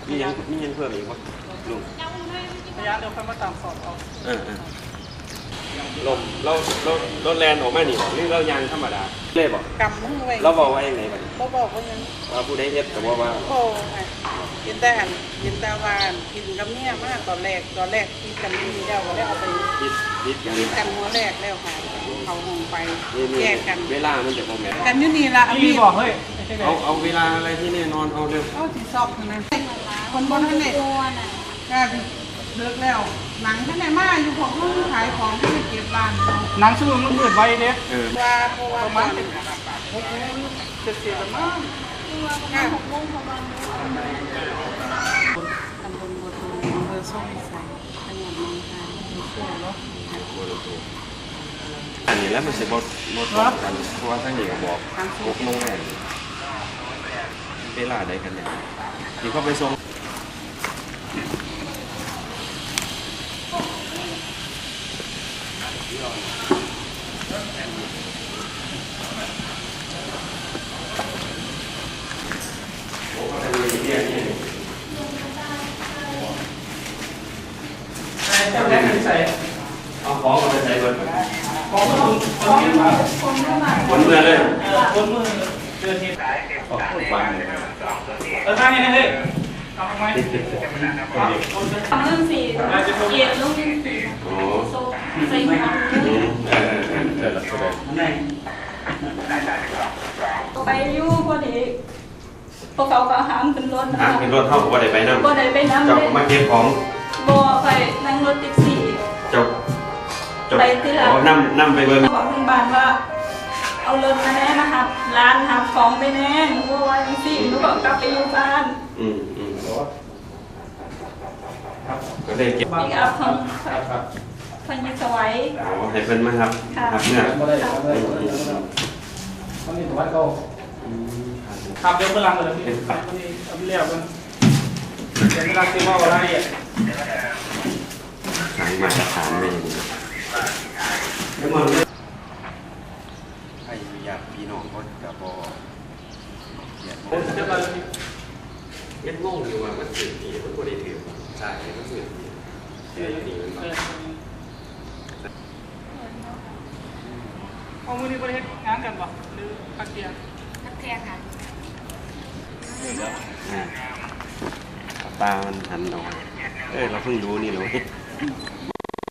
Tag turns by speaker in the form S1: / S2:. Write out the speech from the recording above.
S1: มียังเพิ่มอีกวะลุง
S2: ระยะเดี๋ยวค่อยมาตามสอบเอา
S1: ลมเราแลนออกมาหนิหรือเรายางธรรมดาเล่บอก
S2: กำมือไว้
S1: เราบอกว่าอย่างไรบ้าง
S2: เราบอกว่ายัง
S1: ว่าผู้ใดเฮ็ดแต่ว่า
S2: โอ้กินแต่วานกินกับเนี่ยมากตอนแรกกินกันดีแล้วก็ได้เอาไป
S1: คิด
S2: กันหัวแรกแล้วค่ะเขาหงไปแยกกัน
S1: เวลามันจะโมเมนต์
S2: กันอยู่นี่ละ
S3: พี่บอกเฮ้ย
S1: เอาเวลาอะไรที่นี่นอนเอาเร็ว
S2: เอาที่ซอกนะคนบนท่านไหนก็เลิกแล้วหนังท่านไหนมาอยู่ของลูกขายของที่เก็บบ้าน
S3: หนังชื่อมันมืดไว้เนี่ย
S2: ว่าเพราะว่าประมาณ70ประมาณ6 โมงประมาณตำบลบัวทองอำเภอส้มใส่จังหวัดหนองคายช่วยเนาะ
S1: อันนี้แล้วมันจะบดกันเพราะว่าท่านนี่ก็บอก6 โมงแรกเวลาใดกันเนี่ยที่เขาไปส่งเอาของมาใส่เบิร์ด
S3: ของคน
S1: เมื่อเลย
S3: คนมือเดือนที่
S1: ออกฟัง
S3: ทางนี้นะเฮ้ยทำไม
S4: ทำเรื่องสีเกียรลูกเรื่องสี
S1: โอ้
S4: ใส่หัวไปยู่พอดีพวกเขาก็หามขึ้นรถ
S1: เป็นรถเท่ากับว่าได้ไปน้ำ
S4: บ่ได้ไปน้ำ
S1: เจ้ามาเก็บของ
S4: บ่ไปนั่งรถแท็กซี่ไปที่ร้าน
S1: นั่งไปเบิ้ง
S4: บอกทางบ้านว่าเอารถมาแน่นะครับร้านหับของไปแน่หนูว่าจังซี่หนูก็กลับไปอยู่บ้าน
S1: ก็ได้เก็บ
S4: อีกอัพของพันยิสวัย
S1: ให้เพิ่นมาครับครับเนี่ย
S3: มันมีตัวก็ขับเดี๋ยวพลังเลยพี่เอาเรียบกันเดี๋ยวเวลาซื้อว่าอะไรอ่ะ
S1: ขายมาตรฐานไม่ดีแล้วมันให้อยากพี่น้องคนกับบเย็นงงอยู่ว่ามันสื่อดีมันก็ได้ถือใช่มันสื่อดีดีมัน
S3: เอามือนี้ประเทศงานกันป่ะหรือพักเทียน
S4: ค่ะ
S1: ตามันหันออกเราเพิ่งรู้นี่เลย